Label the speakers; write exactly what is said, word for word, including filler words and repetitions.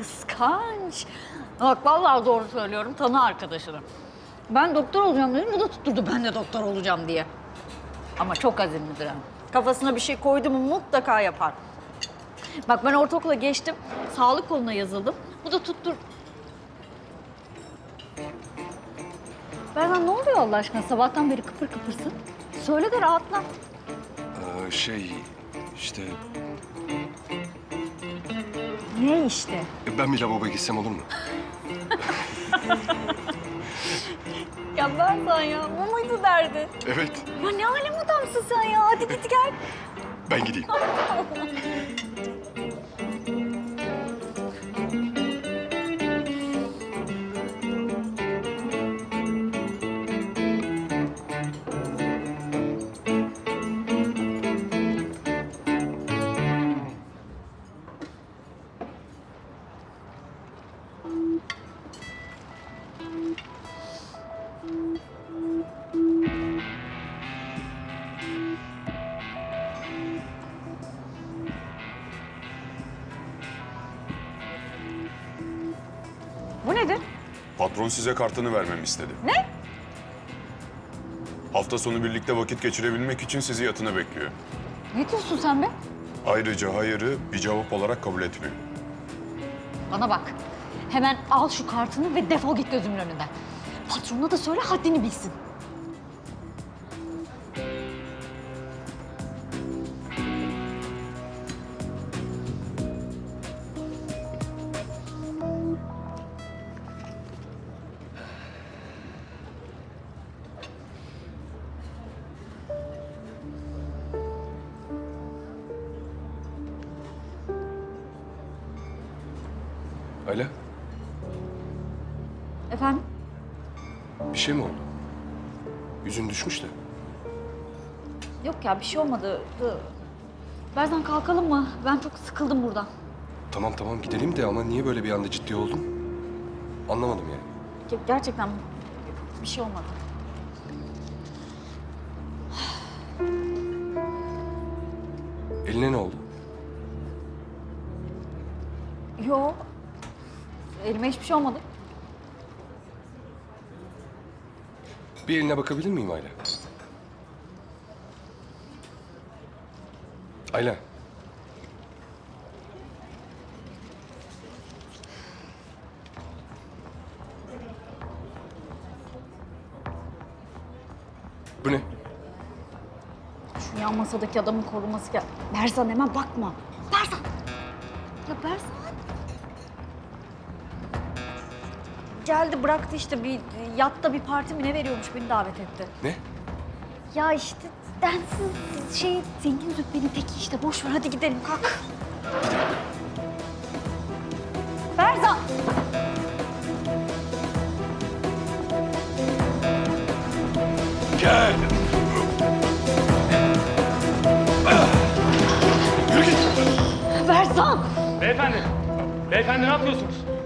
Speaker 1: kıskanç. Bak vallahi doğru söylüyorum, tanı arkadaşını. Ben doktor olacağım dedim, bu da tutturdu ben de doktor olacağım diye. Ama çok azimlidir ha. Kafasına bir şey koydu mu mutlaka yapar. Bak ben ortaokula geçtim, sağlık koluna yazıldım. Bu da tuttur... Berdan ne oluyor Allah aşkına? Sabahtan beri kıpır kıpırsın. Söyle de rahatla.
Speaker 2: Ee, şey işte
Speaker 1: Ne işte?
Speaker 2: e, ben bir lavaboya gitsem olur mu?
Speaker 1: Ya Berdan ya, bu muydu derdi?
Speaker 2: Evet,
Speaker 1: Ya ne alem adamsın sen ya? Hadi git gel.
Speaker 2: ben gideyim.
Speaker 1: Bu nedir?
Speaker 3: Patron size kartını vermemi istedi.
Speaker 1: Ne?
Speaker 3: Hafta sonu birlikte vakit geçirebilmek için sizi yatına bekliyor.
Speaker 1: Ne diyorsun sen be?
Speaker 3: Ayrıca hayırı bir cevap olarak kabul etmiyor.
Speaker 1: Bana bak. Hemen al şu kartını ve defol git gözümün önünden. Patronuna da söyle haddini bilsin.
Speaker 2: Ayla,
Speaker 1: Efendim?
Speaker 2: bir şey mi oldu? Yüzün düşmüş de.
Speaker 1: Yok ya bir şey olmadı. Berzan kalkalım mı? Ben çok sıkıldım buradan.
Speaker 2: Tamam tamam gidelim de ama niye böyle bir anda ciddi oldun? Anlamadım yani.
Speaker 1: Ge- Gerçekten bir şey olmadı.
Speaker 2: Eline ne oldu?
Speaker 1: Yok. Elime hiçbir şey olmadı.
Speaker 2: Bir eline bakabilir miyim Ayla? Ayla. Bu ne?
Speaker 1: Şu yan masadaki adamın koruması gel. Berzan hemen bakma. Berzan! Ya Berzan! Geldi bıraktı işte bir yatta bir parti mi ne veriyormuş beni davet etti.
Speaker 2: Ne?
Speaker 1: Ya işte densiz şey zengin züppenin teki işte boş ver hadi gidelim kalk. Berzan!
Speaker 2: Gel. Yürü git.
Speaker 1: Berzan!
Speaker 4: Beyefendi, beyefendi ne yapıyorsunuz?